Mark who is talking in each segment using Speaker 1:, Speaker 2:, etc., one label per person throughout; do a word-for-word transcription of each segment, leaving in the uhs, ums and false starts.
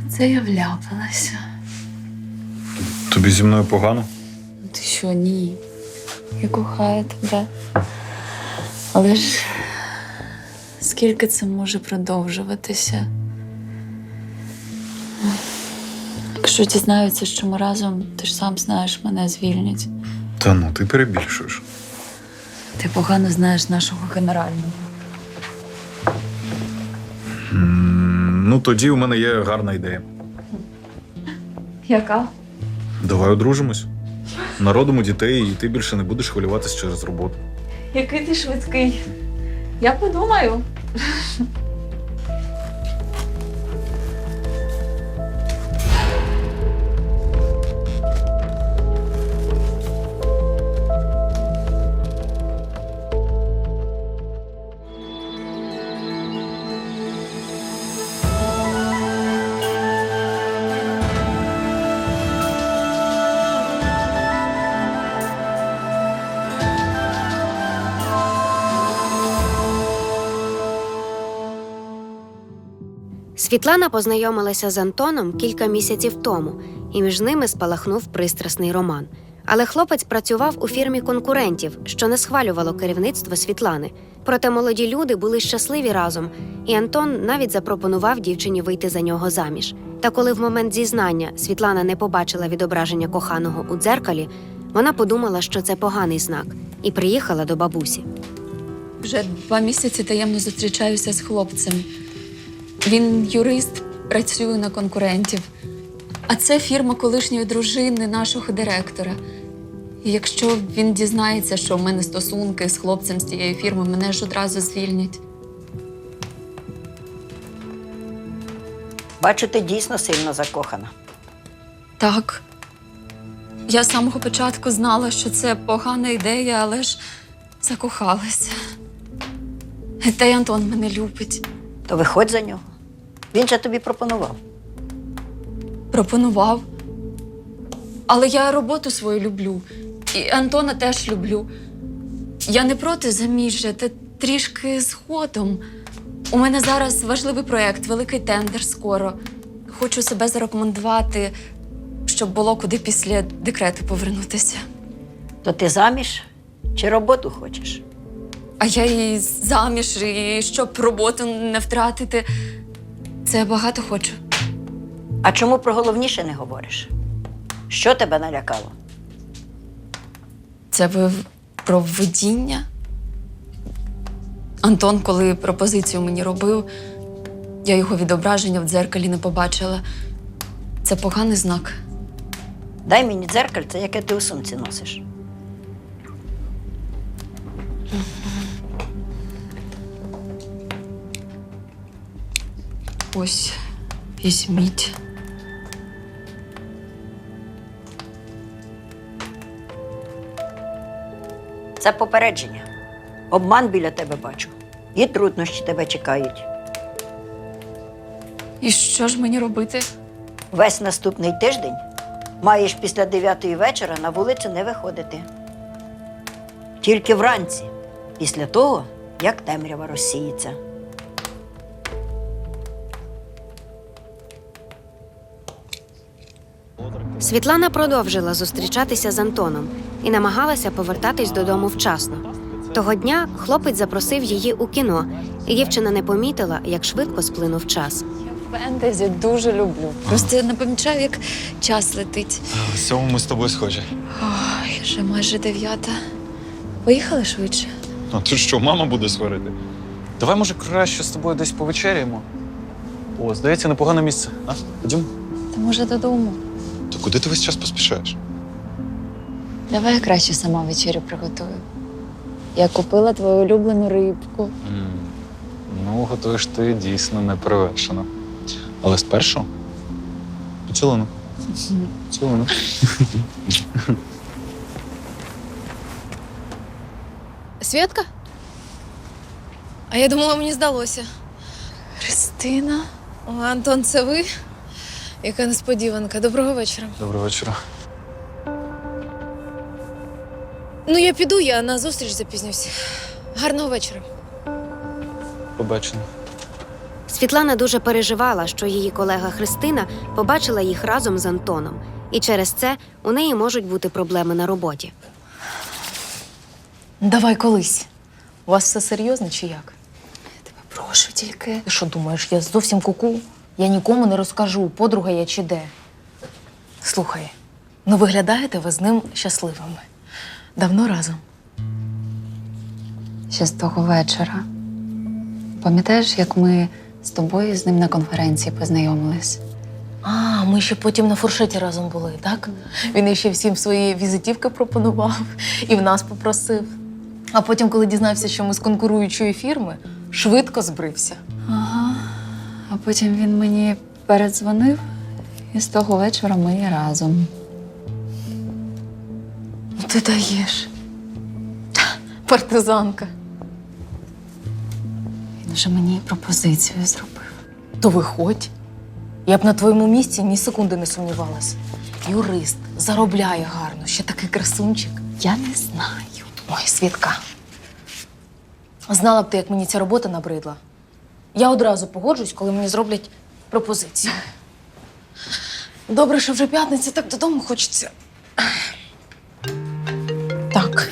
Speaker 1: Це я вляпалася.
Speaker 2: Тобі зі мною погано?
Speaker 1: Ти що, ні? Я кохаю тебе. Але ж скільки це може продовжуватися? Якщо дізнаються, що ми разом, ти ж сам знаєш, мене звільнять.
Speaker 2: Та ну, ти перебільшуєш.
Speaker 1: Ти погано знаєш нашого генерального.
Speaker 2: М, Ну, тоді у мене є гарна ідея.
Speaker 1: Яка?
Speaker 2: Давай одружимось. Народимо дітей, і ти більше не будеш хвилюватись через роботу.
Speaker 1: Який ти швидкий. Я подумаю.
Speaker 3: Світлана познайомилася з Антоном кілька місяців тому, і між ними спалахнув пристрасний роман. Але хлопець працював у фірмі конкурентів, що не схвалювало керівництво Світлани. Проте молоді люди були щасливі разом, і Антон навіть запропонував дівчині вийти за нього заміж. Та коли в момент зізнання Світлана не побачила відображення коханого у дзеркалі, вона подумала, що це поганий знак, і приїхала до бабусі.
Speaker 1: Вже два місяці таємно зустрічаюся з хлопцем. Він юрист, працює на конкурентів. А це фірма колишньої дружини нашого директора. І якщо він дізнається, що в мене стосунки з хлопцем з тієї фірми, мене ж одразу звільнять.
Speaker 4: Бачу, ти дійсно сильно закохана.
Speaker 1: Так. Я з самого початку знала, що це погана ідея, але ж закохалася. Та й Антон мене любить.
Speaker 4: То виходь за нього. Він же тобі пропонував.
Speaker 1: Пропонував. Але я роботу свою люблю. І Антона теж люблю. Я не проти заміжжя, та трішки згодом. У мене зараз важливий проєкт, великий тендер скоро. Хочу себе зарекомендувати, щоб було куди після декрету повернутися.
Speaker 4: То ти заміж чи роботу хочеш?
Speaker 1: А я і заміж, і щоб роботу не втратити. Це я багато хочу.
Speaker 4: А чому про головніше не говориш? Що тебе налякало?
Speaker 1: Це ви про видіння? Антон, коли пропозицію мені робив, я його відображення в дзеркалі не побачила. Це поганий знак.
Speaker 4: Дай мені дзеркальце, яке ти у сумці носиш.
Speaker 1: Ось, візьміть.
Speaker 4: Це попередження. Обман біля тебе бачу. І труднощі тебе чекають.
Speaker 1: І що ж мені робити?
Speaker 4: Весь наступний тиждень маєш після дев'ятої вечора на вулицю не виходити. Тільки вранці, після того, як темрява розсіється.
Speaker 3: Світлана продовжила зустрічатися з Антоном і намагалася повертатись додому вчасно. Того дня хлопець запросив її у кіно, і дівчина не помітила, як швидко сплинув час.
Speaker 1: Я фентезі дуже люблю. Просто не помічаю, як час летить.
Speaker 2: В цьому ми з тобою схожі.
Speaker 1: Ой, вже майже дев'ята. Поїхали швидше?
Speaker 2: А тут що, мама буде сварити? Давай, може, краще з тобою десь повечеряємо. О, здається, непогане місце. А? Ходімо?
Speaker 1: Та може додому.
Speaker 2: То куди ти весь час поспішаєш?
Speaker 1: Давай я краще сама вечерю приготую. Я купила твою улюблену рибку.
Speaker 2: М, Ну, готуєш ти дійсно неперевершено. Але спершу поцілунок. Поцілунок.
Speaker 5: Свєтка? А я думала, мені здалося.
Speaker 1: Христина?
Speaker 5: О, Антон, це ви? Яка несподіванка. Доброго вечора.
Speaker 2: Доброго вечора.
Speaker 5: Ну, я піду, я на зустріч запізнюсь. Гарного вечора.
Speaker 2: Побачення.
Speaker 3: Світлана дуже переживала, що її колега Христина побачила їх разом з Антоном, і через це у неї можуть бути проблеми на роботі.
Speaker 5: Давай колись. У вас все серйозно чи як?
Speaker 1: Тебе прошу тільки.
Speaker 5: Ти що думаєш, я зовсім куку? Я нікому не розкажу, подруга я чи де. Слухай, ну виглядаєте ви з ним щасливими. Давно разом.
Speaker 1: Ще з того вечора. Пам'ятаєш, як ми з тобою з ним на конференції познайомились?
Speaker 5: А, ми ще потім на фуршеті разом були, так? Він іще всім свої візитівки пропонував і в нас попросив. А потім, коли дізнався, що ми з конкуруючої фірми, швидко збрився.
Speaker 1: Ага. А потім він мені передзвонив, і з того вечора ми і разом.
Speaker 5: Ну ти даєш. Партизанка.
Speaker 1: Він вже мені пропозицію зробив.
Speaker 5: То виходь. Я б на твоєму місці ні секунди не сумнівалась. Юрист, заробляє гарно, ще такий красунчик.
Speaker 1: Я не знаю.
Speaker 5: Ой, Світка. Знала б ти, як мені ця робота набридла. Я одразу погоджусь, коли мені зроблять пропозицію. Добре, що вже п'ятниця, так додому хочеться. Так.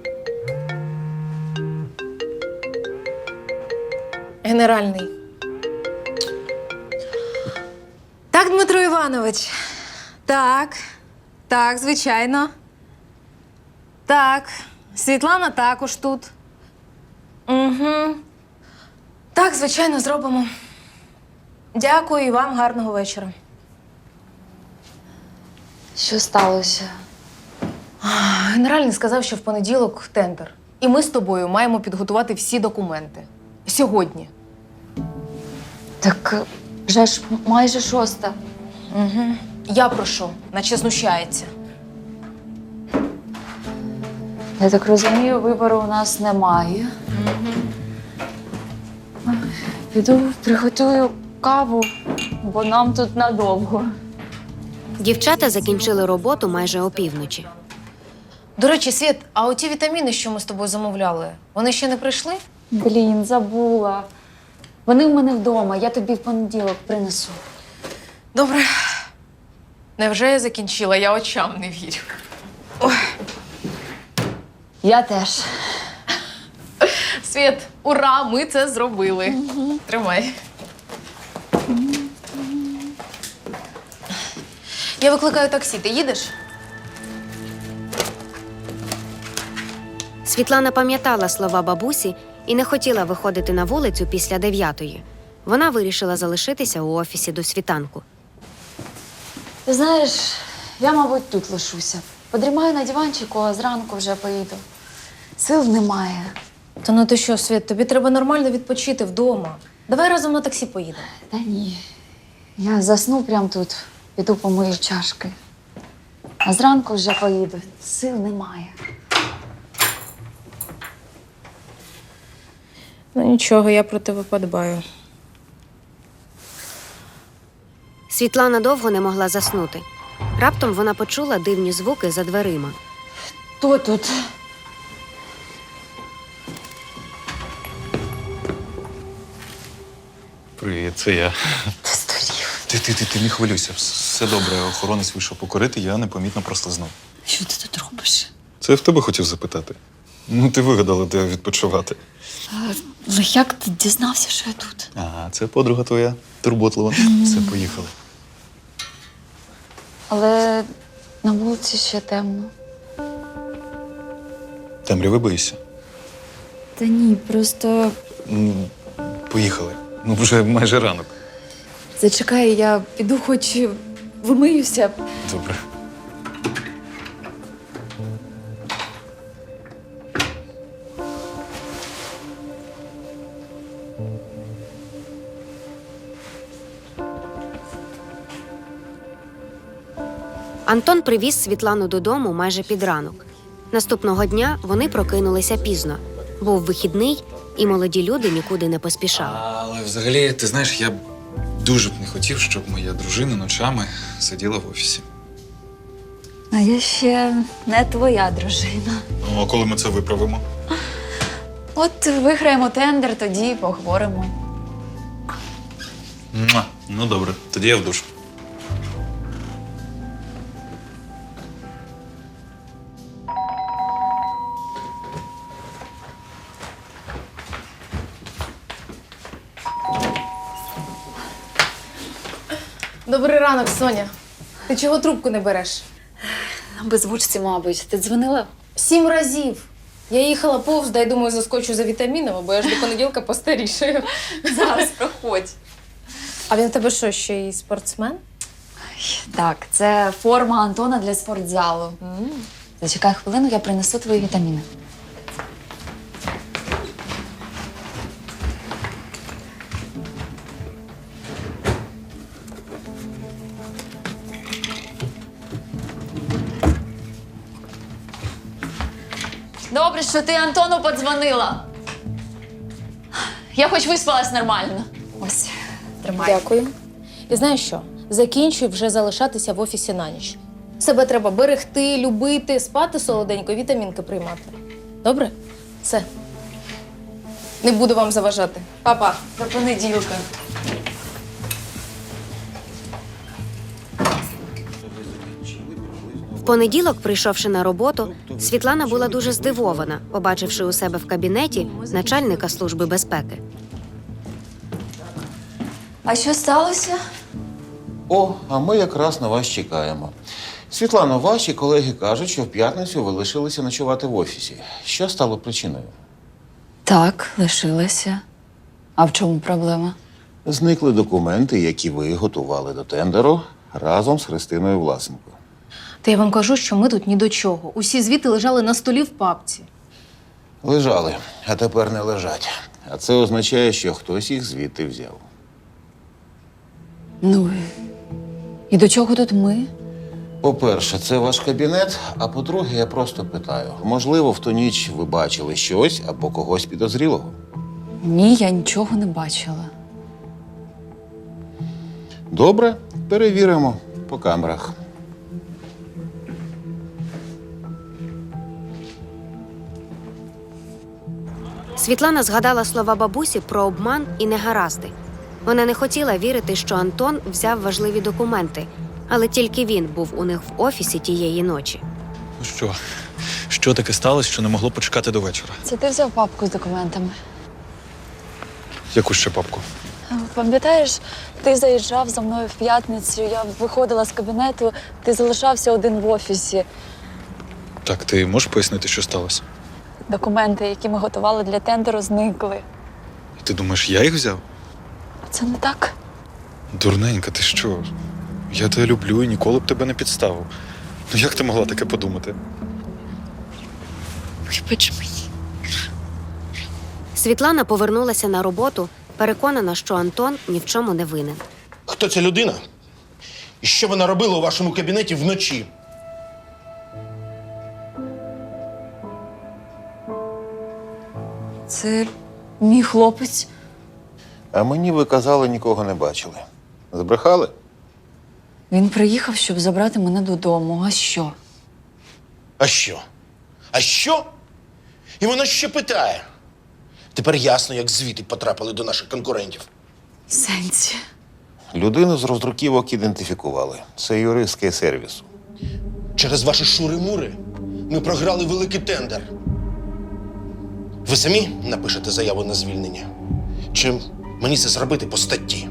Speaker 5: Генеральний. Так, Дмитро Іванович. Так. Так, звичайно. Так. Світлана також тут. Угу. Так, звичайно, зробимо. Дякую і вам гарного вечора.
Speaker 1: Що сталося?
Speaker 5: Генеральний сказав, що в понеділок тендер. І ми з тобою маємо підготувати всі документи. Сьогодні.
Speaker 1: Так вже ж майже шоста.
Speaker 5: Угу. Я прошу, наче знущається.
Speaker 1: Я так розумію, вибору у нас немає. Піду приготую каву, бо нам тут надовго.
Speaker 3: Дівчата закінчили роботу майже опівночі.
Speaker 5: До речі, Світ, а оті вітаміни, що ми з тобою замовляли, вони ще не прийшли?
Speaker 1: Блін, забула. Вони в мене вдома, я тобі в понеділок принесу.
Speaker 5: Добре. Невже я закінчила? Я очам не вірю. Ой.
Speaker 1: Я теж.
Speaker 5: Світ, ура, ми це зробили. Угу. Тримай. Я викликаю таксі. Ти їдеш?
Speaker 3: Світлана пам'ятала слова бабусі і не хотіла виходити на вулицю після дев'ятої. Вона вирішила залишитися у офісі до світанку.
Speaker 1: Ти знаєш, я, мабуть, тут лишуся. Подрімаю на диванчику, а зранку вже поїду. Сил немає.
Speaker 5: Та ну ти що, Світ, тобі треба нормально відпочити вдома. Давай разом на таксі поїдемо.
Speaker 1: Та ні. Я засну прямо тут, піду помию чашки. А зранку вже поїду. Сил немає.
Speaker 5: Ну нічого, я про тебе подбаю.
Speaker 3: Світлана довго не могла заснути. Раптом вона почула дивні звуки за дверима.
Speaker 1: Хто тут?
Speaker 2: Привіт, це я.
Speaker 1: Ти здурів.
Speaker 2: Ти, ти, ти, ти не хвилюйся. Все добре, охоронець вийшов покорити, я непомітно прослизнув.
Speaker 1: Що ти тут робиш?
Speaker 2: Це я в тебе хотів запитати. Ну, ти вигадала, де відпочивати.
Speaker 1: Але як ти дізнався, що я тут?
Speaker 2: Ага, це подруга твоя, турботлива. Все, поїхали.
Speaker 1: Але на вулиці ще темно.
Speaker 2: Темряви боїшся?
Speaker 1: Та ні, просто
Speaker 2: Ну, поїхали. Ну, вже майже ранок.
Speaker 1: зачекай, я піду хоч вимиюся.
Speaker 2: Добре.
Speaker 3: Антон привіз Світлану додому майже під ранок. Наступного дня вони прокинулися пізно. Був вихідний, і молоді люди нікуди не поспішали.
Speaker 2: Але взагалі, ти знаєш, я б дуже б не хотів, щоб моя дружина ночами сиділа в офісі.
Speaker 1: А я ще не твоя дружина.
Speaker 2: Ну, а коли ми це виправимо?
Speaker 1: От виграємо тендер, тоді й поговоримо.
Speaker 2: Муа. Ну добре, тоді я в душ.
Speaker 5: Добрий ранок, Соня. Ти чого трубку не береш?
Speaker 1: Беззвучці, мабуть. Ти дзвонила?
Speaker 5: Сім разів. Я їхала повз, дай думаю, заскочу за вітамінами, бо я ж до понеділка постарішаю.
Speaker 1: Зараз проходь.
Speaker 5: А він в тебе що, ще й спортсмен?
Speaker 1: Так, це форма Антона для спортзалу. Зачекай хвилину, я принесу твої вітаміни. Добре, що ти Антону подзвонила. Я хоч виспалась нормально. Ось, тримай.
Speaker 5: Дякую. І знаєш що? Закінчуй вже залишатися в офісі на ніч. Себе треба берегти, любити, спати солоденько, вітамінки приймати. Добре? Все. Не буду вам заважати. Па-па.
Speaker 1: До понеділка.
Speaker 3: В понеділок, прийшовши на роботу, Світлана була дуже здивована, побачивши у себе в кабінеті начальника Служби безпеки.
Speaker 1: А що сталося?
Speaker 6: О, а ми якраз на вас чекаємо. Світлано, ваші колеги кажуть, що в п'ятницю ви лишилися ночувати в офісі. Що стало причиною?
Speaker 1: Так, лишилася. А в чому проблема?
Speaker 6: Зникли документи, які ви готували до тендеру разом з Христиною Власенко.
Speaker 5: Та я вам кажу, що ми тут ні до чого. Усі звіти лежали на столі в папці.
Speaker 6: Лежали, а тепер не лежать. А це означає, що хтось їх звідти взяв.
Speaker 1: Ну, і до чого тут ми?
Speaker 6: По-перше, це ваш кабінет, а по-друге, я просто питаю. Можливо, в ту ніч ви бачили щось або когось підозрілого?
Speaker 1: Ні, я нічого не бачила.
Speaker 6: Добре, перевіримо по камерах.
Speaker 3: Світлана згадала слова бабусі про обман і негаразди. Вона не хотіла вірити, що Антон взяв важливі документи, але тільки він був у них в офісі тієї ночі.
Speaker 2: Ну що? Що таке сталося, що не могло почекати до вечора?
Speaker 1: Це ти взяв папку з документами?
Speaker 2: Яку ще папку?
Speaker 1: Пам'ятаєш, ти заїжджав за мною в п'ятницю, я виходила з кабінету, ти залишався один в офісі.
Speaker 2: Так, ти можеш пояснити, що сталося?
Speaker 1: Документи, які ми готували для тендеру, зникли.
Speaker 2: І ти думаєш, я їх взяв?
Speaker 1: Це не так?
Speaker 2: Дурненька, ти що? Я тебе люблю і ніколи б тебе не підставив. Ну як ти могла таке подумати?
Speaker 1: Вибач мені.
Speaker 3: Світлана повернулася на роботу, переконана, що Антон ні в чому не винен.
Speaker 7: Хто ця людина? І що вона робила у вашому кабінеті вночі?
Speaker 1: Це мій хлопець.
Speaker 6: А мені ви казали, нікого не бачили. Збрехали?
Speaker 1: Він приїхав, щоб забрати мене додому. А що?
Speaker 7: А що? А що? І вона ще питає. Тепер ясно, як звіти потрапили до наших конкурентів.
Speaker 1: Сенсі.
Speaker 6: Людину з роздруківок ідентифікували. Це юрист Кей-сервісу.
Speaker 7: Через ваші шури-мури ми програли великий тендер. Ви самі напишете заяву на звільнення? Чи мені це зробити по статті?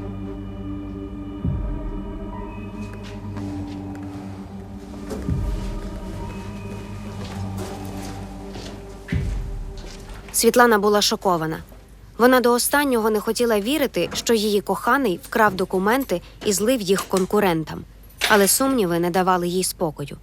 Speaker 3: Світлана була шокована. Вона до останнього не хотіла вірити, що її коханий вкрав документи і злив їх конкурентам. Але сумніви не давали їй спокою.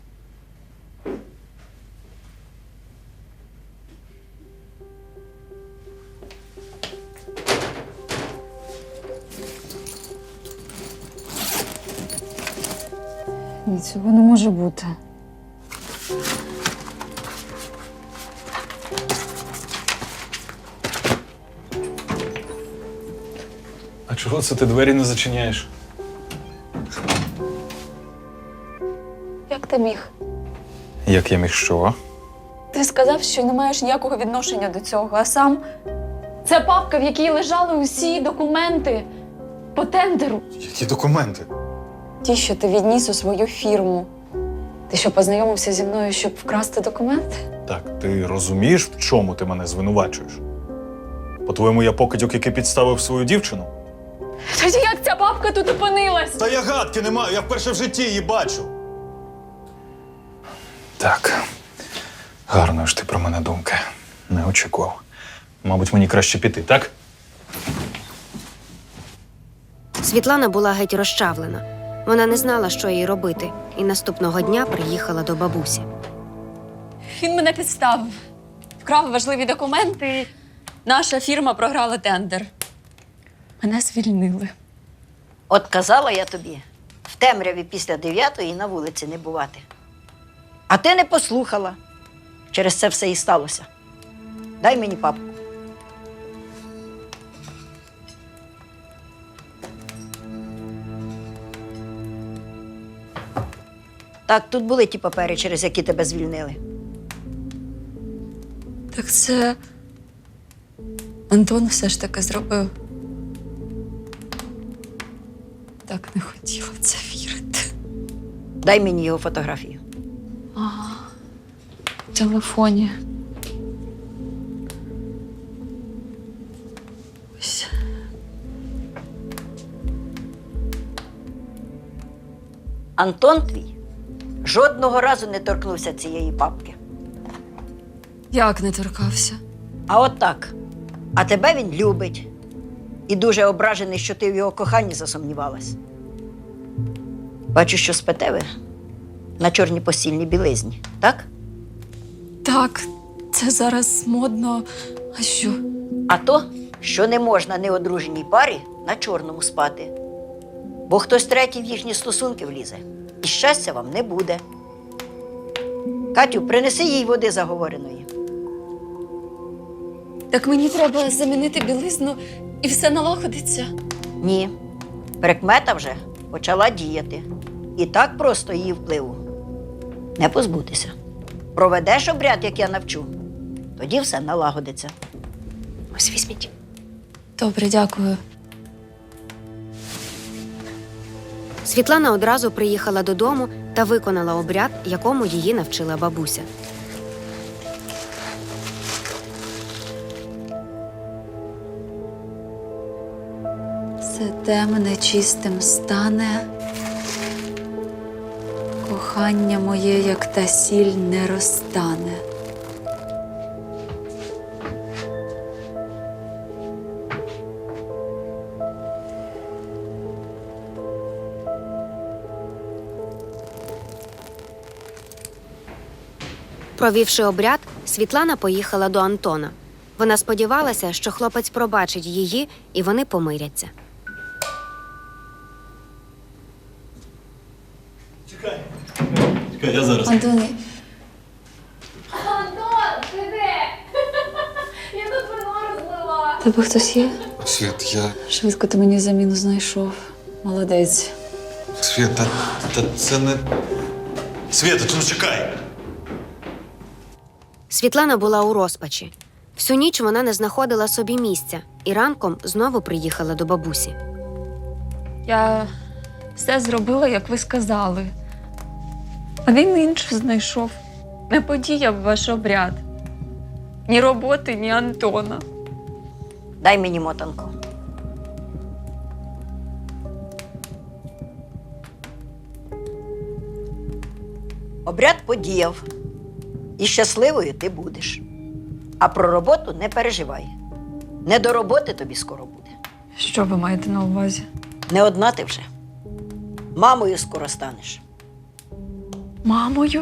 Speaker 1: Ні, цього не може бути.
Speaker 2: А чого це ти двері не зачиняєш?
Speaker 1: Як ти міг?
Speaker 2: Як я міг що?
Speaker 1: Ти сказав, що не маєш ніякого відношення до цього, а сам… Це папка, в якій лежали усі документи. по тендеру.
Speaker 2: Які документи?
Speaker 1: Ті, що ти відніс у свою фірму. Ти що, познайомився зі мною, щоб вкрасти документи?
Speaker 2: Так, ти розумієш, в чому ти мене звинувачуєш? По-твоєму, я покидьок, який підставив свою дівчину?
Speaker 1: Тоді як ця бабка тут опинилась?
Speaker 2: Та я гадки не маю, я вперше в житті її бачу. Так, гарної ж ти про мене думки. Не очікував. Мабуть, мені краще піти, так?
Speaker 3: Світлана була геть розчавлена. Вона не знала, що їй робити, і наступного дня приїхала до бабусі.
Speaker 1: Він мене підставив. Вкрав важливі документи. Наша фірма програла тендер. Мене звільнили.
Speaker 4: От казала я тобі, в темряві після дев'ятої на вулиці не бувати. А ти не послухала. Через це все і сталося. Дай мені папку. Так, тут були ті папери, через які тебе звільнили.
Speaker 1: Так це Антон все ж таки зробив. Так не хотіла в це вірити.
Speaker 4: Дай мені його фотографію.
Speaker 1: В телефоні. Ось.
Speaker 4: Антон твій жодного разу не торкнувся цієї папки.
Speaker 1: Як не торкався?
Speaker 4: А от так. А тебе він любить. І дуже ображений, що ти в його коханні засумнівалась. Бачу, що спите ви на чорній постільній білизні, так?
Speaker 1: Так, це зараз модно. А що?
Speaker 4: А то, що не можна неодруженій парі на чорному спати. Бо хтось третій в їхні стосунки влізе. І щастя вам не буде. Катю, принеси їй води заговореної.
Speaker 1: Так мені треба замінити білизну і все налагодиться.
Speaker 4: Ні. Прикмета вже почала діяти. І так просто її впливу не позбутися. Проведеш обряд, як я навчу, тоді все налагодиться.
Speaker 3: Ось візьміть.
Speaker 1: Добре, дякую.
Speaker 3: Світлана одразу приїхала додому та виконала обряд, якому її навчила бабуся.
Speaker 1: Все темне чистим стане. Кохання моє, як та сіль, не розтане.
Speaker 3: Провівши обряд, Світлана поїхала до Антона. Вона сподівалася, що хлопець пробачить її, і вони помиряться.
Speaker 2: Чекай, я зараз.
Speaker 1: Антоне,
Speaker 5: Антон, ти де? Я тут вино розлила.
Speaker 1: тебе хтось є?
Speaker 8: Світ, я.
Speaker 1: Швидко ти мені заміну знайшов. Молодець.
Speaker 8: Світ, та, та це не.
Speaker 2: Свята, ти ну чекай!
Speaker 3: Світлана була у розпачі. Всю ніч вона не знаходила собі місця і ранком знову приїхала до бабусі.
Speaker 1: Я все зробила, як ви сказали. А він інше знайшов. Не подіяв ваш обряд. Ні роботи, ні Антона.
Speaker 4: Дай мені мотанку. Обряд подіяв. І щасливою ти будеш. А про роботу не переживай. Не до роботи тобі скоро буде.
Speaker 1: Що ви маєте на увазі?
Speaker 4: Не одна ти вже. Мамою скоро станеш.
Speaker 1: Мамою?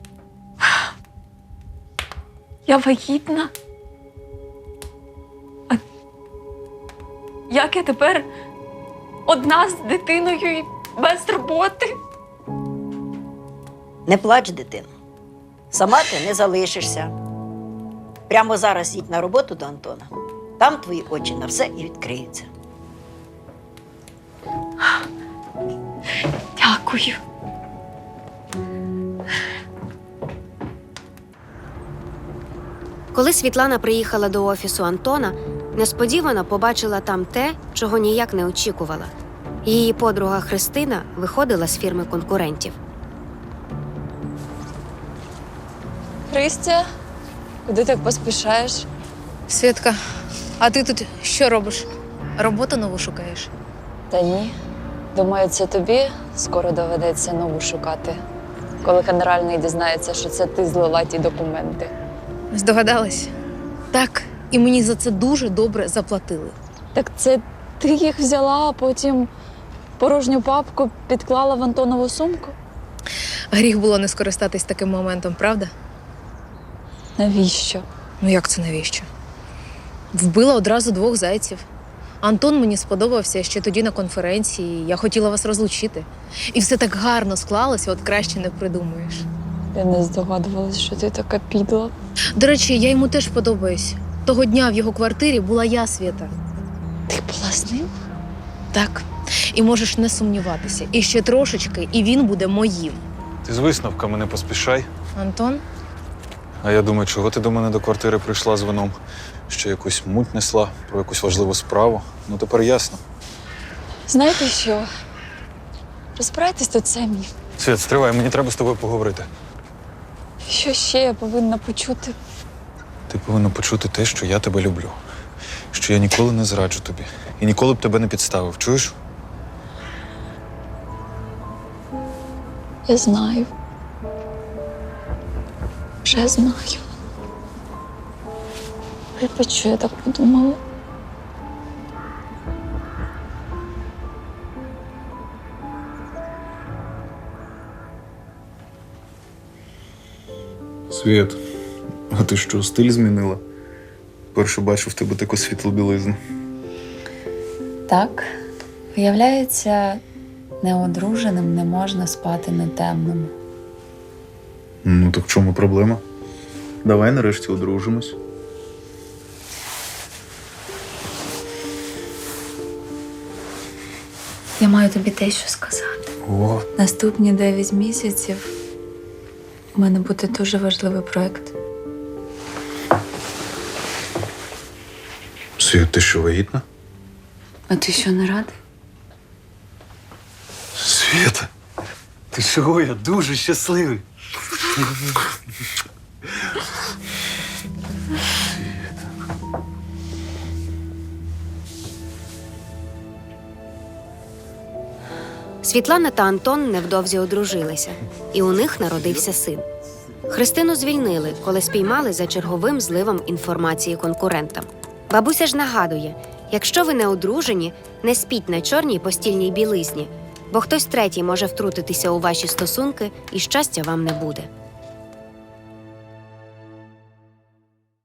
Speaker 1: Я вагітна? А як я тепер одна з дитиною і без роботи?
Speaker 4: Не плач, дитино. Сама ти не залишишся. Прямо зараз їдь на роботу до Антона. Там твої очі на все і відкриються.
Speaker 1: Дякую.
Speaker 3: Коли Світлана приїхала до офісу Антона, несподівано побачила там те, чого ніяк не очікувала. Її подруга Христина виходила з фірми конкурентів.
Speaker 1: Христя, куди так поспішаєш?
Speaker 5: Світка, а ти тут що робиш? Роботу нову шукаєш?
Speaker 1: Та ні. Думаю, це тобі скоро доведеться нову шукати, коли генеральний дізнається, що це ти злила ті документи.
Speaker 5: Здогадалась? Так, і мені за це дуже добре заплатили.
Speaker 1: Так це ти їх взяла, а потім порожню папку підклала в Антонову сумку?
Speaker 5: Гріх було не скористатись таким моментом, правда?
Speaker 1: Навіщо?
Speaker 5: Ну як це навіщо? Вбила одразу двох зайців. Антон мені сподобався ще тоді на конференції, я хотіла вас розлучити. І все так гарно склалося, от краще не придумаєш.
Speaker 1: Я не здогадувалась, що ти така підла.
Speaker 5: До речі, я йому теж подобаюсь. Того дня в його квартирі була я, Свята.
Speaker 1: Ти була з ним?
Speaker 5: Так. І можеш не сумніватися. І ще трошечки, і він буде моїм.
Speaker 2: Ти з висновками не поспішай.
Speaker 5: Антон?
Speaker 2: А я думаю, чого ти до мене до квартири прийшла з вином? Що якусь муть несла про якусь важливу справу? Ну тепер ясно.
Speaker 1: Знаєте що? Розбирайтесь тут самі.
Speaker 2: Світ, стривай, мені треба з тобою поговорити.
Speaker 1: Що ще я повинна почути?
Speaker 2: Ти повинна почути те, що я тебе люблю. Що я ніколи не зраджу тобі. І ніколи б тебе не підставив. Чуєш?
Speaker 1: Я знаю. Вже знаю. Вибач, що я так подумала.
Speaker 2: Світ, а ти що, стиль змінила? Перше бачу в тебе таку світлу білизну.
Speaker 9: Так, виявляється, неодруженим не можна спати не темному.
Speaker 2: Ну, так в чому проблема? Давай нарешті одружимось.
Speaker 9: Я маю тобі те, що сказати.
Speaker 2: О,
Speaker 9: Наступні дев'ять місяців у мене буде дуже важливий проєкт.
Speaker 2: Світ, ти що, вагітна?
Speaker 9: А ти що, не радий?
Speaker 2: Світа, ти чого? Я дуже щасливий.
Speaker 3: Світлана та Антон невдовзі одружилися, і у них народився син. Христину звільнили, коли спіймали за черговим зливом інформації конкурентам. Бабуся ж нагадує, якщо ви не одружені, не спіть на чорній постільній білизні, бо хтось третій може втрутитися у ваші стосунки, і щастя вам не буде.